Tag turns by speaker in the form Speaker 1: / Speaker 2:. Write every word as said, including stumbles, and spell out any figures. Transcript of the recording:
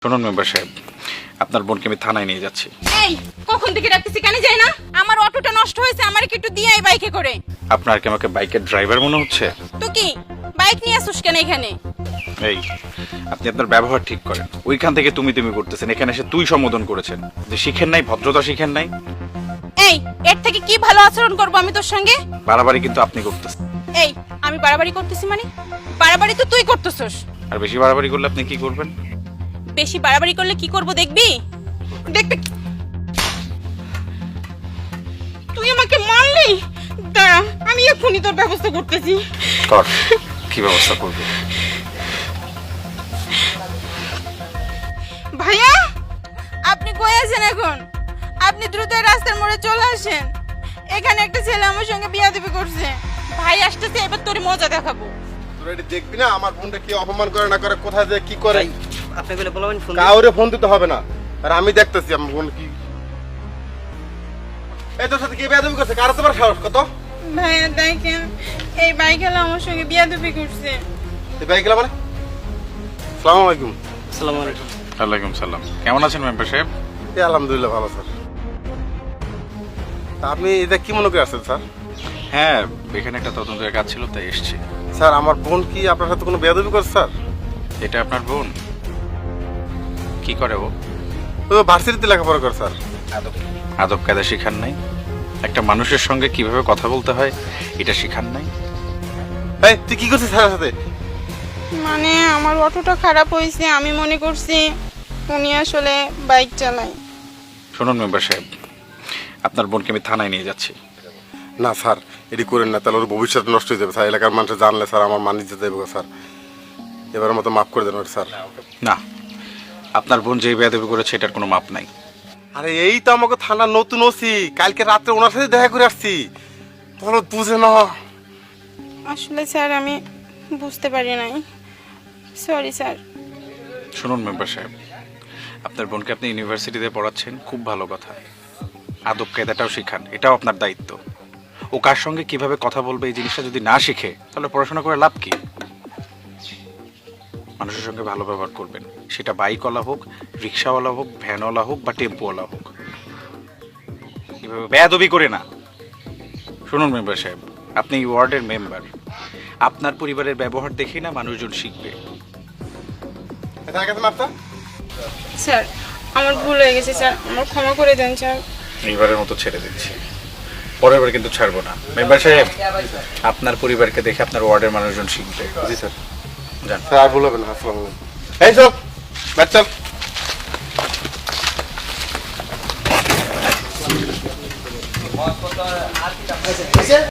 Speaker 1: শুনুন মেম্বার সাহেব, আপনার বোনকে আমি থানায় নিয়ে যাচ্ছি।
Speaker 2: এই কখন থেকে রাখতেছি কেন যাই না? আমার অটোটা নষ্ট হয়েছে, আমার কি একটু দিয়ে আই বাইকে করে।
Speaker 1: আপনার কি আমাকে বাইকের ড্রাইভার মনে হচ্ছে?
Speaker 2: তো কি বাইক নিয়ে আসুস কেন এখানে?
Speaker 1: এই আপনি আপনার ব্যবহার ঠিক করেন। ওইখান থেকে তুমি তুমি করতেছেন, এখানে এসে তুই সম্বোধন করেছেন। যে শিখেন নাই, ভদ্রতা শিখেন নাই।
Speaker 2: এই এর থেকে কি ভালো আচরণ করব আমি তোর সঙ্গে?
Speaker 1: বাড়াবাড়ি কিন্তু আপনি করতেছেন।
Speaker 2: এই আমি বাড়াবাড়ি করতেছি মানে? বাড়াবাড়ি তো তুই করতেছস।
Speaker 1: আর বেশি বাড়াবাড়ি করলে আপনি কি করবেন?
Speaker 2: বেশি বাড়াবাড়ি করলে কি করব দেখবি? দেখবি। তুই আমাকে মারলি, দাঁড়া আমি এক্ষুনি তোর ব্যবস্থা করতেছি।
Speaker 1: কর, কি ব্যবস্থা করবে?
Speaker 2: ভাইয়া আপনি কই আছেন এখন? আপনি দ্রুত রাস্তার মোড়ে চলে আসেন। এখানে একটা ছেলে আমার সঙ্গে বিয়াদবি করছে। ভাই আসতেছে, এবার তোর মজা দেখাবো।
Speaker 3: তোরা এটি দেখবি না আমার বোনটা কি অপমান করে না করে, কোথায় যে কি করে।
Speaker 4: আপনি বলে বলবেন ফোন
Speaker 3: কাউরে ফোন দিতে হবে না, আর আমি দেখতেছি আমার বোন কি। এই তোর সাথে কি বেয়াদবি করছে? কার তোমার সাহস কত?
Speaker 2: ভাইয়া দেখেন, এই বাইকেলা আমার সঙ্গে বিয়াদবি করছে।
Speaker 3: এই বাইক গেলা মানে? আসসালামু আলাইকুম।
Speaker 4: আসসালামু আলাইকুম।
Speaker 1: ওয়ালাইকুম সালাম। কেমন আছেন মেম্বার সাহেব?
Speaker 3: এই আলহামদুলিল্লাহ ভালো স্যার। তা আপনি এটা কি মনে করে আসছেন স্যার?
Speaker 1: হ্যাঁ, এখানে একটা তদন্তের কাজ ছিল তাই এসেছি।
Speaker 3: স্যার আমার বোন কি আপনার সাথে কোনো বেয়াদবি করছে স্যার?
Speaker 1: এটা আপনার বোন? কি করে ও?
Speaker 3: ও ভার্সিটিতে লেখাপড়া করে স্যার।
Speaker 1: আদব আদব কায়দা শিখান নাই? একটা মানুষের সঙ্গে কিভাবে কথা বলতে হয় এটা শিখান নাই?
Speaker 3: এই তুই কি করছিস স্যারের সাথে?
Speaker 2: মানে আমার অটোটা খারাপ হয়েছে, আমি মনে করছি উনি আসলে বাইক চালায়।
Speaker 1: শুনুন মেম্বার সাহেব, আপনার বোনকে আমি থানায় নিয়ে যাচ্ছি।
Speaker 3: না স্যার এটি করেন না, তাহলে ওর ভবিষ্যৎ নষ্ট হয়ে যাবে স্যার। এলাকার মানুষ জানলে স্যার আমার মান ইজ্জত যাবে স্যার। এবারের মতো মাফ করে দেন ওর স্যার।
Speaker 1: না, আপনার বোন যে বেয়াদবি করেছে এটার কোনো মাপ নাই।
Speaker 3: আরে এই তো আমাকে থানার নতুন ওসি, কালকে রাত্রে ওনার সাথে দেখা করে আসছি। তাহলে বুঝে না।
Speaker 2: আসলে স্যার আমি বুঝতে পারি নাই, সরি স্যার।
Speaker 1: শুনুন মেম্বার সাহেব, আপনার বোনকে আপনি ইউনিভার্সিটিতে পড়াচ্ছেন, খুব ভালো কথা। আদব কায়দাটাও শিখান, এটাও আপনার দায়িত্ব। ও কার সঙ্গে কিভাবে কথা বলবে এই জিনিসটা যদি না শিখে তাহলে পড়াশোনা করে লাভ কি? মানুষের সঙ্গে ভালো ব্যবহার করবেন, সেটা বাইকওয়ালা হোক, রিক্সাওয়ালা হোক, ভ্যানওয়ালা হোক বা টেম্পোওয়ালা হোক। এভাবে বেয়াদবি করে না। শুনুন মেম্বার সাহেব, আপনি এই ওয়ার্ডের মেম্বার। আপনার পরিবারের ব্যবহার দেখেই না মানুষজন শিখবে।
Speaker 3: এখানে গেছে মাপটা?
Speaker 2: স্যার আমার ভুল হয়ে গেছে স্যার, আমার ক্ষমা করে দেন স্যার।
Speaker 1: এইবারের মতো ছেড়ে দিচ্ছি, পরের বার কিন্তু ছাড়বো না। মেম্বার সাহেব, আপনার পরিবারকে দেখে আপনার ওয়ার্ডের মানুষজন শিখবে।
Speaker 3: জি স্যার।
Speaker 1: যান।
Speaker 3: স্যার আর ভুল হবে না। আসসালামু আলাইকুম। এই চল ব্যাট চল।